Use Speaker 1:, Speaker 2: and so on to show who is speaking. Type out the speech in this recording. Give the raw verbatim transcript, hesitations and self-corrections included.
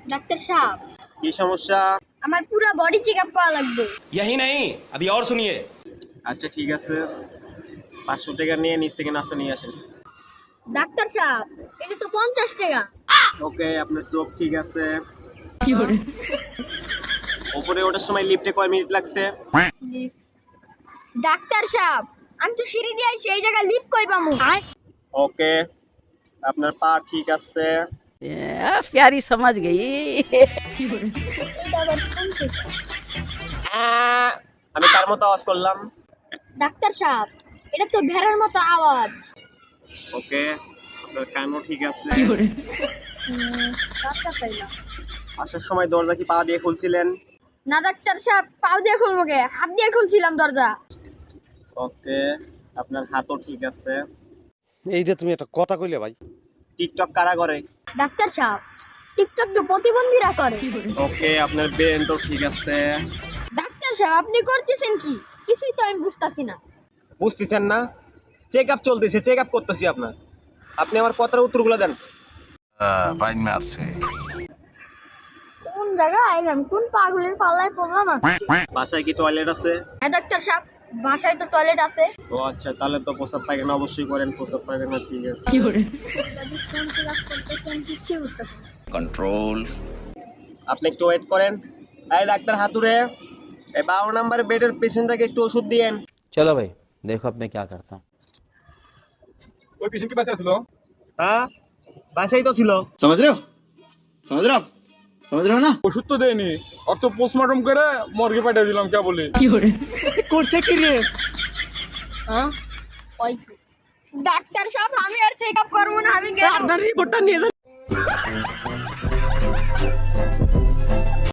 Speaker 1: Doctor সাহেব,
Speaker 2: কি সমস্যা?
Speaker 1: আমার পুরো বডি চেকআপ করা লাগবে।
Speaker 3: यही नहीं अभी और सुनिए।
Speaker 2: আচ্ছা ঠিক আছে, পাঁচশো টাকা নিয়ে নিচ থেকে নাস্তা নিয়ে আসেন।
Speaker 1: ডাক্তার সাহেব, এটা তো পঞ্চাশ টাকা।
Speaker 2: ওকে, আপনার চোখ ঠিক আছে। উপরে ওঠার সময় লিফটে কয় মিনিট লাগছে?
Speaker 1: ডাক্তার সাহেব, আমি তো সিঁড়ি দিয়ে আইছি, এই জায়গায় লিফট কই পামু?
Speaker 2: ওকে, আপনার পা ঠিক আছে।
Speaker 4: आ, प्यारी समझ गई।
Speaker 1: এটা আবার কোন চেকআপ?
Speaker 2: আহ, আমি তার মতো আওয়াজ করলাম।
Speaker 1: ডাক্তার সাহেব, এটা তো ভেড়ার মতো আওয়াজ।
Speaker 2: ওকে, আপনার কানও ঠিক আছে।
Speaker 1: হুম, ডাক্তার পাইলাম।
Speaker 2: আসার সময় দরজা কি পা দিয়ে খুলছিলেন?
Speaker 1: না ডাক্তার সাহেব, পাও দিয়ে খুলবো কে? হাত দিয়ে খুলছিলাম দরজা।
Speaker 2: ওকে, আপনার হাতও ঠিক আছে।
Speaker 3: এইটা তুমি একটা কথা কইলে ভাই।
Speaker 2: টিকটক কারা করে?
Speaker 1: ডাক্তার সাহেব, টিকটক তো প্রতিবন্ধীরা করে।
Speaker 2: ওকে, আপনার ব্রেনটাও ঠিক আছে।
Speaker 1: ডাক্তার সাহেব, আপনি করতেছেন কি? কিছুই তো আমি বুঝতাছি না।
Speaker 2: বুঝতেছেন না? চেক আপ চলতেছে, চেক আপ করতেছি আপনার। আপনি আমার কথার উত্তরগুলো দেন।
Speaker 5: বাইন মারছে।
Speaker 1: কোন জায়গায় আইলাম? কোন পাগলের পাল্লায় পড়লাম আজকে?
Speaker 2: বাসায় কি টয়লেট আছে?
Speaker 1: হ্যাঁ ডাক্তার সাহেব, বাসায় তো টয়লেট আছে।
Speaker 2: ও আচ্ছা, তাহলে তো প্রসাব পায়খানা অবশ্যই করেন। প্রসাব পায়খানা ঠিক আছে।
Speaker 1: যদি কোন চেকআপ করতেছেন কিছুই বুঝতেছি না।
Speaker 5: কন্ট্রোল।
Speaker 2: আপনি একটু ওয়েট করেন। এই ডাক্তার হাতুড়ে, এই বারো নাম্বারের বেডের পেশেন্টটাকে একটু ওষুধ দিয়েন।
Speaker 6: चलो भाई देखो अब मैं क्या करता हूँ।
Speaker 7: ওই পেশেন্ট কি বাঁচা ছিল?
Speaker 2: হ্যাঁ, বাসাই তো ছিল।
Speaker 8: समझ रहे हो समझ रहे हो आप समझ रहे हो ना।
Speaker 7: ওষুধ তো দেয়নি, অত পোস্টমর্টম করে মর্গে পাঠিয়ে দিলাম, কে বলি?
Speaker 2: করছে কি রে?
Speaker 1: হ্যাঁ, ওই তো। ডাক্তার সাহেব, আমি আর চেকআপ করবো না, আমি গেলাম।
Speaker 2: আপনার রিপোর্টটা নিয়ে যান।